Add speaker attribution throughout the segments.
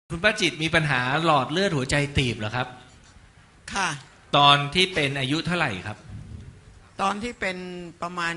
Speaker 1: คุณป้าจิตมีปัญหาหลอดเลือดหัวใจตีบเหรอครับ
Speaker 2: ค่ะ
Speaker 1: ตอนที่เป็นอายุเท่าไหร่ครับ
Speaker 2: ตอนที่เป็นประมาณ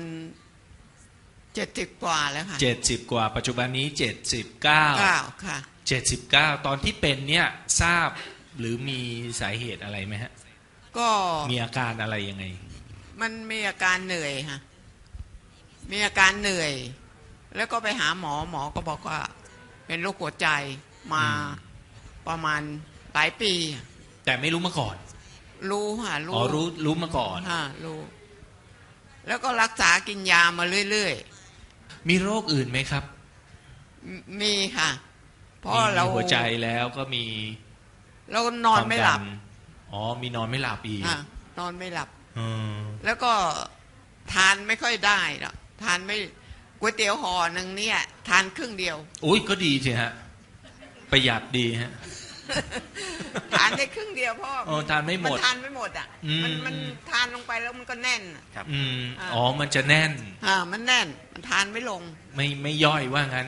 Speaker 2: 70 กว่าแล้วค่ะ
Speaker 1: 70กว่าปัจจุบันนี้79
Speaker 2: ค่ะ
Speaker 1: 79ตอนที่เป็นเนี่ยทราบหรือมีสาเหตุอะไรไหมฮะ
Speaker 2: ก็
Speaker 1: มีอาการอะไรยังไง
Speaker 2: มันมีอาการเหนื่อยค่ะมีอาการเหนื่อยแล้วก็ไปหาหมอก็บอกว่าเป็นโรคหัวใจมาประมาณหลายปี
Speaker 1: แต่ไม่รู้มาก่อน
Speaker 2: รู้ค่ะ
Speaker 1: อ๋อรู้มาก่อน
Speaker 2: รู้แล้วก็รักษากินยามาเรื่อย
Speaker 1: ๆมีโรคอื่นไหมครับ
Speaker 2: มีค่ะเพราะเรา
Speaker 1: หัวใจแล้วก็มี
Speaker 2: เรานอนไม่หลับ
Speaker 1: อ๋อมีนอนไม่หลับอีก
Speaker 2: นอนไม่หลับแล้วก็ทานไม่ค่อยได้หรอกทานไม่ก๋วยเตี๋ยวห่อหนึ่งเนี่ยทานครึ่งเดียว
Speaker 1: อุ้ยก็ดีสิฮะประหยัดดีฮะ
Speaker 2: ทานได้ครึ่งเดียวพ่อ
Speaker 1: ทานไม่หมด
Speaker 2: มันทานไม่หมดอ่ะมันทานลงไปแล้วมันก็แน่น
Speaker 1: ครับอ๋อมันจะแน่น
Speaker 2: มันแน่นมันทานไม่ลง
Speaker 1: ไม่ย่อยว่างั้น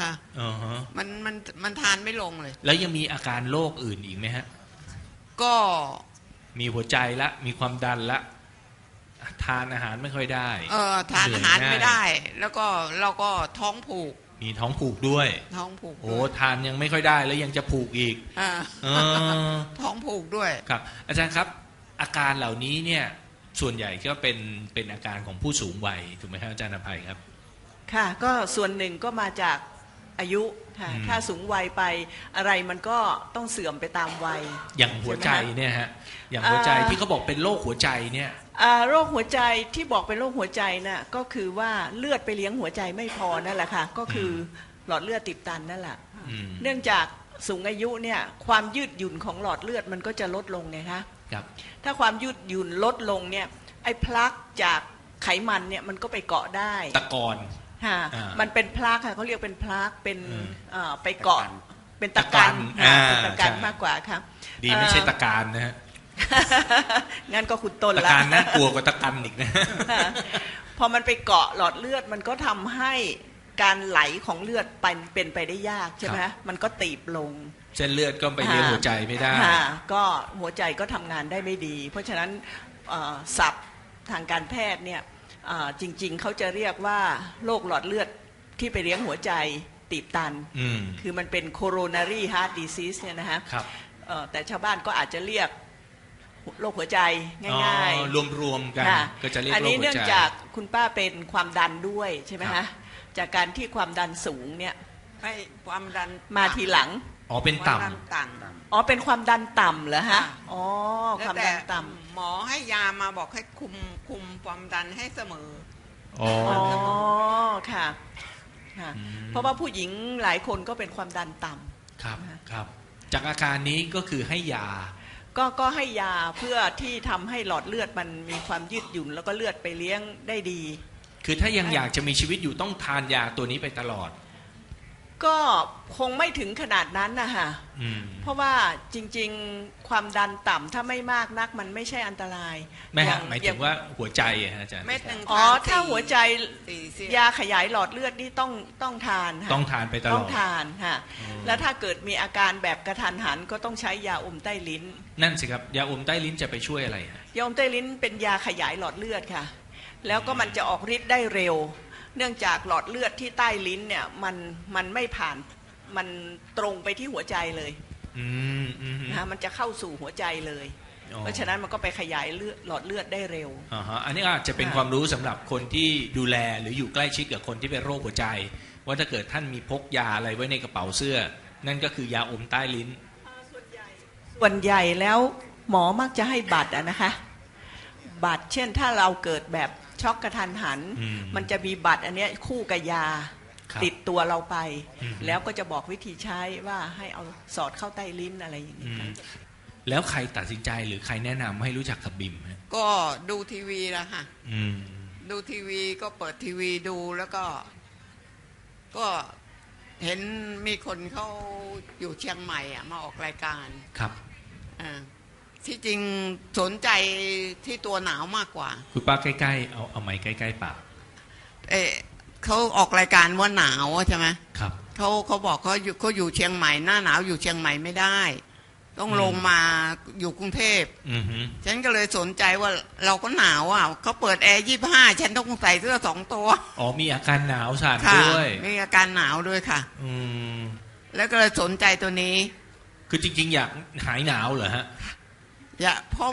Speaker 2: มันทานไม่ลงเลย
Speaker 1: แล้วยังมีอาการโรคอื่นอีกไหมฮะ
Speaker 2: ก็
Speaker 1: มีหัวใจละมีความดันละทานอาหารไม่ค่อยได้
Speaker 2: ทานอาหารไม่ได้แล้วก็เราก็ท้องผูก
Speaker 1: มีท้องผูกด้วย
Speaker 2: ท้องผูก
Speaker 1: โอ้ทานยังไม่ค่อยได้แล้วยังจะผูกอีก
Speaker 2: ท้องผูกด้วย
Speaker 1: ครับอาจารย์ครับอาการเหล่านี้เนี่ยส่วนใหญ่ก็เป็นอาการของผู้สูงวัยถูกไหมครับอาจารย์อภัยครับ
Speaker 3: ค่ะก็ส่วนหนึ่งก็มาจากอายุค่ะถ้าสูงวัยไปอะไรมันก็ต้องเสื่อมไปตามวัย
Speaker 1: อย่างหัวใจเนี่ยฮะอย่างหัวใจที่เขาบอกเป็นโรคหัวใจเนี่ย
Speaker 3: โรคหัวใจที่บอกเป็นโรคหัวใจน่ะก็คือว่าเลือดไปเลี้ยงหัวใจไม่พอนั่นแหละค่ะก็คือหลอดเลือดตีบตันนั่นแหละเนื่องจากสูงอายุเนี่ยความยืดหยุ่นของหลอดเลือดมันก็จะลดลงไงคะถ้าความยืดหยุ่นลดลงเนี่ยไอ้พลักจากไขมันเนี่ยมันก็ไปเกาะได้
Speaker 1: ตะกอน
Speaker 3: มันเป็นพลักค่ะเขาเรียกเป็นพลักเป็นไปเกาะเป็นตะกันเป็นตะกันมากกว่าครับ
Speaker 1: ดีไม่ใช่ตะการนะฮะ
Speaker 3: งั้นก็คุณต้นละ
Speaker 1: ตะการน่ากลัวกว่าตะกันอีกนะ
Speaker 3: พอมันไปเกาะหลอดเลือดมันก็ทำให้การไหลของเลือดเป็นไปได้ยากใช่ไหมมันก็ตีบลง
Speaker 1: เส้นเลือดก็ไปเลี้ยงหัวใจไม่ได้
Speaker 3: ก็หัวใจก็ทำงานได้ไม่ดีเพราะฉะนั้นศัพท์ทางการแพทย์เนี่ยจริงๆเขาจะเรียกว่าโรคหลอดเลือดที่ไปเลี้ยงหัวใจตีบตันคือมันเป็น coronary heart disease เนี่ยนะฮะแต่ชาวบ้านก็อาจจะเรียกโรคหัวใจง่าย
Speaker 1: ๆรวมๆกันก็จะเรียกโรคหัวใจอัน
Speaker 3: นี้เนื่องจากคุณป้าเป็นความดันด้วยใช่ไหมฮะจากการที่ความดันสูงเนี่ย
Speaker 2: ให้ความดัน
Speaker 3: มาทีหลัง
Speaker 1: อ๋อเป็นต่ำ
Speaker 3: อ๋อเป็นความดันต่ำเหรอฮะอ๋อความดันต่
Speaker 2: ำหมอให้ยามาบอกให้คุมความดันให้เสมอ
Speaker 3: อ๋อค่ะเพราะว่าผู้หญิงหลายคนก็เป็นความดันต่
Speaker 1: ำครับจากอาการนี้ก็คือให้ยา
Speaker 3: ก็ให้ยาเพื่อที่ทำให้หลอดเลือดมันมีความยืดหยุ่นแล้วก็เลือดไปเลี้ยงได้ดี
Speaker 1: คือถ้ายังอยากจะมีชีวิตอยู่ต้องทานยาตัวนี้ไปตลอด
Speaker 3: ก็คงไม่ถึงขนาดนั้นนะคะเพราะว่าจริงๆความดันต่ำถ้าไม่มากนักมันไม่ใช่อันตราย
Speaker 1: ไม่ฮะหมายถึงว่าหัวใจอาจารย์
Speaker 3: ถ้าหัวใจยาขยายหลอดเลือดนี่ต้องทาน
Speaker 1: ต้องทานไปตลอด
Speaker 3: ต้องทานค่ะแล้วถ้าเกิดมีอาการแบบกระทันหันก็ต้องใช้ยาอมใต้ลิ้น
Speaker 1: นั่นสิครับยาอมใต้ลิ้นจะไปช่วยอะไร
Speaker 3: ยาอมใต้ลิ้นเป็นยาขยายหลอดเลือดค่ะแล้วก็มันจะออกฤทธิ์ได้เร็วเนื่องจากหลอดเลือดที่ใต้ลิ้นเนี่ยมันไม่ผ่านมันตรงไปที่หัวใจเลยนะมันจะเข้าสู่หัวใจเลยเพราะฉะนั้นมันก็ไปขยายหลอดเลือดได้เร็ว
Speaker 1: อันนี้อาจจะเป็นความรู้สำหรับคนที่ดูแลหรืออยู่ใกล้ชิดกับคนที่เป็นโรคหัวใจว่าถ้าเกิดท่านมีพกยาอะไรไว้ในกระเป๋าเสื้อนั่นก็คือยาอมใต้ลิ้น
Speaker 3: ส่วนใหญ่แล้วหมอมักจะให้บัตรนะคะบัตรเช่นถ้าเราเกิดแบบช็อกกระทันหันมันจะมีบัตรอันนี้คู่กับยาติดตัวเราไปแล้วก็จะบอกวิธีใช้ว่าให้เอาสอดเข้าใต้ลิ้นอะไรอย่างนี้
Speaker 1: แล้วใครตัดสินใจหรือใครแนะนำให้รู้จักกับบิม
Speaker 2: ก็ดูทีวีแล้วค่ะดูทีวีก็เปิดทีวีดูแล้วก็เห็นมีคนเขาอยู่เชียงใหม่มาออกรายการ
Speaker 1: ครับ
Speaker 2: ที่จริงสนใจที่ตัวหนาวมากกว่า
Speaker 1: คุณป้าใกล้ๆเอาไม้ใกล้ๆปาก
Speaker 2: เขาออกรายการว่าหนาวใช่ไหม
Speaker 1: ครับ
Speaker 2: เขาบอกเขาอยู่เชียงใหม่หน้าหนาวอยู่เชียงใหม่ไม่ได้ ต้องลงมาอยู่กรุงเทพฉันก็เลยสนใจว่าเราก็หนาวอ่ะเขาเปิดแอร์25ฉันต้องใส่เสื้อ2 ตัว
Speaker 1: อ๋อมีอาการหนาวสั่นด้วย
Speaker 2: มีอาการหนาวด้วยค่ะแล้วก็เลยสนใจตัวนี้
Speaker 1: คือจริงๆอยากหายหนาวเหรอฮะ
Speaker 2: เพราะ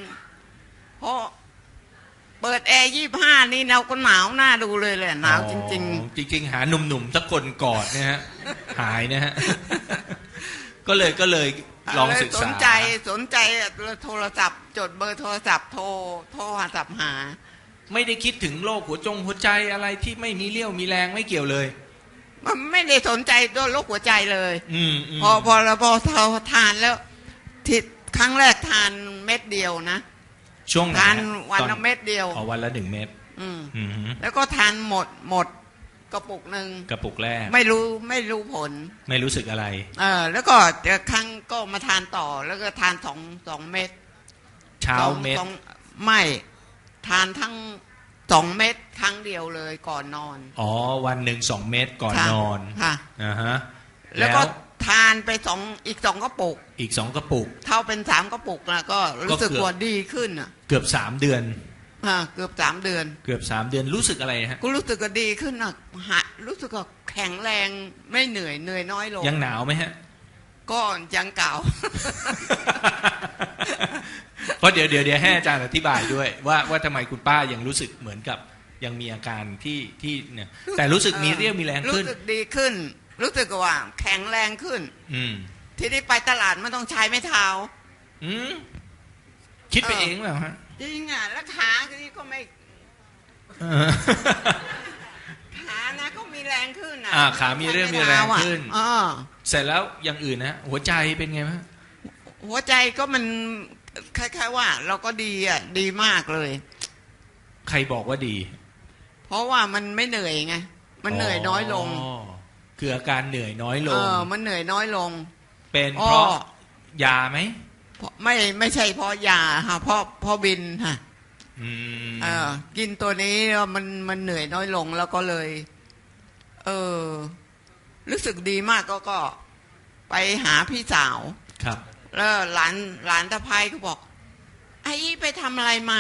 Speaker 2: เปิดแอร์25นี่เราก็หนาวหน้าดูเลยแหละหนาวจริงๆ
Speaker 1: จริงๆหาหนุ่มๆสักคนกอดนะฮะหายนะฮะก็เลยลองศึกษาสนใจโทรศัพท์จดเบอร์โทรศัพท์โทรศัพท์หาไม่ได้คิดถึงโรคหัวใจอะไรที่ไม่มีเรี่ยวมีแรงไม่เกี่ยวเลย
Speaker 2: มันไม่ได้สนใจตัวโรคหัวใจเลยพอเราทานแล้วทิศครั้งแรกทานเม็ดเดียวนะ
Speaker 1: ช่วง
Speaker 2: ทานวันละเม็ดเดียว
Speaker 1: วันละ1 เม็ด
Speaker 2: แล้วก็ทานหมดกระปุกหนึ่ง
Speaker 1: กระปุกแรก
Speaker 2: ไม่รู้ผล
Speaker 1: ไม่รู้สึกอะไร
Speaker 2: แล้วก็ครั้งก็มาทานต่อแล้วก็ทาน2 เม็ด
Speaker 1: เช้าเม็ด
Speaker 2: ไม่ทานทั้ง2 เม็ดครั้งเดียวเลยก่อนนอน
Speaker 1: วันหนึ่ง2 เม็ดก่อนนอน
Speaker 2: ค่ะแล้วก็ทานไปอีก2 กระปุก
Speaker 1: อีก2 กระปุก
Speaker 2: เท่าเป็น3 กระปุกแล้วก็รู้สึกว่าดีขึ้น
Speaker 1: เกือบ3 เดือน
Speaker 2: เกือบ3 เดือน
Speaker 1: เกือบ3 เดือนรู้สึกอะไรฮะ
Speaker 2: ก็รู้สึกก็ดีขึ้นรู้สึกก็แข็งแรงไม่เหนื่อยน้อยลง
Speaker 1: ยังหนาวไหมฮะ
Speaker 2: ก็ยังเก่า
Speaker 1: เพราะเดี๋ยวให้อาจารย์อธิบายด้วยว่าทำไมคุณป้ายังรู้สึกเหมือนกับยังมีอาการที่เนี่ยแต่รู้สึกมีเรี่ยวมีแรงขึ้น
Speaker 2: รู้สึกดีขึ้นรู้สึกว่าแข็งแรงขึ้นทีนี้ไปตลาดไม่ต้องใช้ไม้เท้า
Speaker 1: คิดไปเองเหรอฮะ
Speaker 2: จริงอ่ะแล้วขาที่ก็ไม่ขานะก็มีแรงขึ้น
Speaker 1: ขามีเรื่องมีแรงขึ้นเสร็จแล้วอย่างอื่นนะหัวใจเป็นไงบ้าง
Speaker 2: หัวใจก็มันคล้ายๆว่าเราก็ดีมากเลย
Speaker 1: ใครบอกว่าดี
Speaker 2: เพราะว่ามันไม่เหนื่อยไงมันเหนื่อยน้อยลง
Speaker 1: คืออาการเหนื่อยน้อยลง
Speaker 2: มันเหนื่อยน้อยลง
Speaker 1: เป็นเพราะยาไหม
Speaker 2: ไม่ใช่เพราะยาค่ะเพราะบินค่ะกินตัวนี้มันเหนื่อยน้อยลงแล้วก็เลยรู้สึกดีมากก็ไปหาพี่สาว
Speaker 1: ครับ
Speaker 2: แล้วหลานตะไพก็บอกไอ้ไปทำอะไรมา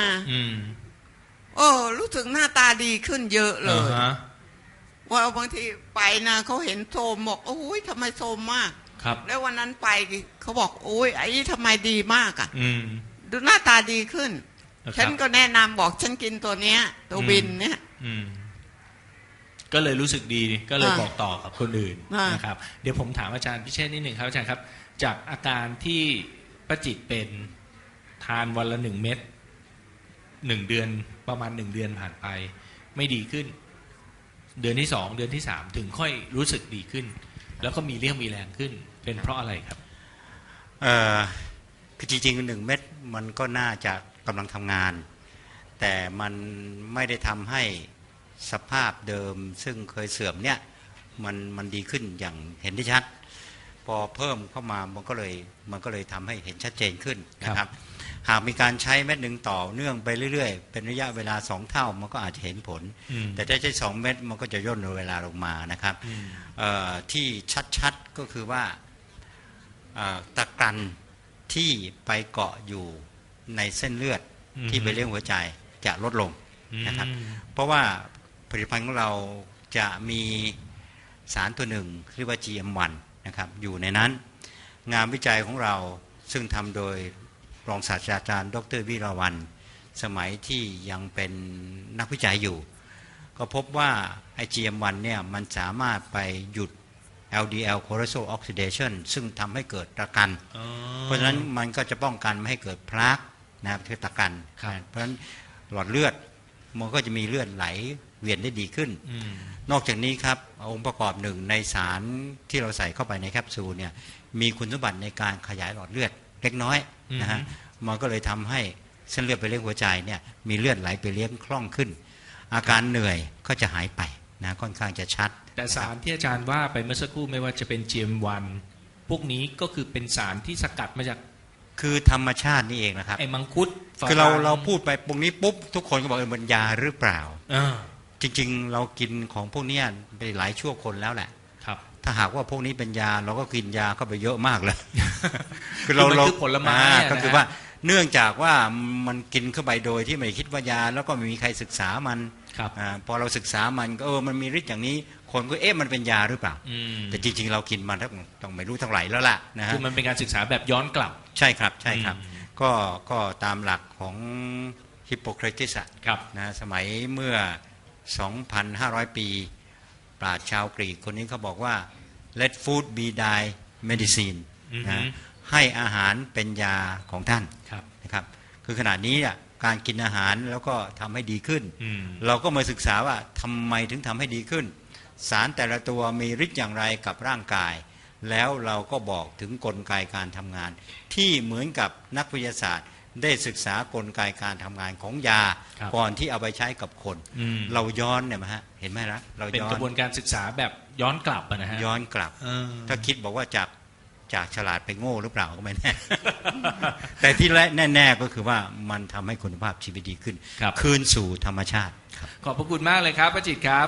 Speaker 2: รู้สึกหน้าตาดีขึ้นเยอะเลยว่าบางทีไปนะเขาเห็นโทมบอกโอ้ยทำไมโทมมากแล้ววันนั้นไปเขาบอกโอ้ยไอ้ทำไมดีมากดูหน้าตาดีขึ้นฉันก็แนะนำบอกฉันกินตัวเนี้ยตัวบินเนี่ย
Speaker 1: ก็เลยรู้สึกดีก็เลยบอกต่อกับคนอื่นนะครับเดี๋ยวผมถามอาจารย์พิเชษฐ์นิดหนึ่งครับอาจารย์ครับจากอาการที่ป้าจิตเป็นทานวันละ1 เม็ด1 เดือนประมาณ1 เดือนผ่านไปไม่ดีขึ้นเดือนที่2เดือนที่3ถึงค่อยรู้สึกดีขึ้นแล้วก็มีเรี่ยวมีแรงขึ้นเป็นเพราะอะไรครับ
Speaker 4: คือจริงๆ1 เม็ดมันก็น่าจะกำลังทำงานแต่มันไม่ได้ทำให้สภาพเดิมซึ่งเคยเสื่อมเนี่ยมันดีขึ้นอย่างเห็นได้ชัดพอเพิ่มเข้ามามันก็เลยทำให้เห็นชัดเจนขึ้นนะครับหากมีการใช้เม็ดหนึ่งต่อเนื่องไปเรื่อยๆเป็นระยะเวลา2 เท่ามันก็อาจจะเห็นผลแต่ถ้าใช้2 เม็ดมันก็จะย่นเวลาลงมานะครับที่ชัดๆก็คือว่าตะกันที่ไปเกาะอยู่ในเส้นเลือดที่ไปเลี้ยงหัวใจจะลดลงนะครับเพราะว่าผลิตภัณฑ์ของเราจะมีสารตัวหนึ่งเรียกว่า GM1 นะครับอยู่ในนั้นงานวิจัยของเราซึ่งทำโดยรองศาสตราจารย์ดร.วิราวัลย์สมัยที่ยังเป็นนักวิจัยอยู่ก็พบว่าไอ้ GM1 เนี่ยมันสามารถไปหยุด LDL cholesterol oxidation ซึ่งทำให้เกิดตะกันเพราะฉะนั้นมันก็จะป้องกันไม่ให้เกิดพลาสนะครับคือตะกันเพราะฉะนั้นหลอดเลือดมันก็จะมีเลือดไหลเวียนได้ดีขึ้นนอกจากนี้ครับองค์ประกอบหนึ่งในสารที่เราใส่เข้าไปในแคปซูลเนี่ยมีคุณสมบัติในการขยายหลอดเลือดเล็กน้อยนะฮะมันก็เลยทำให้เส้นเลือดไปเลี้ยงหัวใจเนี่ยมีเลือดไหลไปเลี้ยงคล่องขึ้นอาการเหนื่อยก็จะหายไปนะค่อนข้างจะชัด
Speaker 1: แต่สารที่อาจารย์ว่าไปเมื่อสักครู่ไม่ว่าจะเป็น GM1 พวกนี้ก็คือเป็นสารที่สกัดมาจาก
Speaker 4: คือธรรมชาตินี่เองนะครับ
Speaker 1: ไอ้มังคุด
Speaker 4: คือเราพูดไปตรงนี้ปุ๊บทุกคนก็บอกมันยาหรือเปล่าจริงๆเรากินของพวกนี้ไปหลายชั่วคนแล้วแหละถ้าหากว่าพวกนี้เป็นยาเราก็กินยาเข้าไปเยอะมากเลย
Speaker 1: คือมันคือผลไม้อะนะ
Speaker 4: ก็คือว่าเนื่องจากว่ามันกินเข้าไปโดยที่ไม่คิดว่ายาแล้วก็ไม่มีใครศึกษามัน
Speaker 1: ครับ
Speaker 4: พอเราศึกษามันก็มันมีฤทธิ์อย่างนี้คนก็มันเป็นยาหรือเปล่า แต่จริงๆเรากินมันต้องไม่รู้เท่าไหร่แล้วล่ะนะฮะ
Speaker 1: คือมันเป็นการศึกษาแบบย้อนกลับ
Speaker 4: ใช่ครับใช่ครับก็ตามหลักของฮิปโปเครติส
Speaker 1: ครับ
Speaker 4: นะสมัยเมื่อ 2,500 ปีปราชญ์ชาวกรีกคนนี้เขาบอกว่า let food be thy medicine นะให้อาหารเป็นยาของท่าน
Speaker 1: ครับ
Speaker 4: นะครับคือขณะนี้การกินอาหารแล้วก็ทำให้ดีขึ้น เราก็มาศึกษาว่าทำไมถึงทำให้ดีขึ้น สารแต่ละตัวมีฤทธิ์อย่างไรกับร่างกาย แล้วเราก็บอกถึงกลไกการทำงาน ที่เหมือนกับนักวิทยาศาสตร์ได้ศึกษากลไกการทำงานของยา
Speaker 1: ครับ
Speaker 4: ก่อนที่เอาไปใช้กับคน เราย้อนเนี่ยฮะเห็นไหมล่ะเรา
Speaker 1: เป็น
Speaker 4: ย้อก
Speaker 1: ระบวนนการศึกษาแบบย้อนกลับอะนะฮะ
Speaker 4: ย้อนกลับ ถ้าคิดบอกว่าจากฉลาดไปโง่หรือเปล่าก็ไม่แน่ แต่ที่แน่ๆก็คือว่ามันทำให้คุณภาพชีวิตดีขึ้น
Speaker 1: ครับ
Speaker 4: คืนสู่ธรรมชาติ
Speaker 1: ขอบพระคุณมากเลยครับป้าจิตรครับ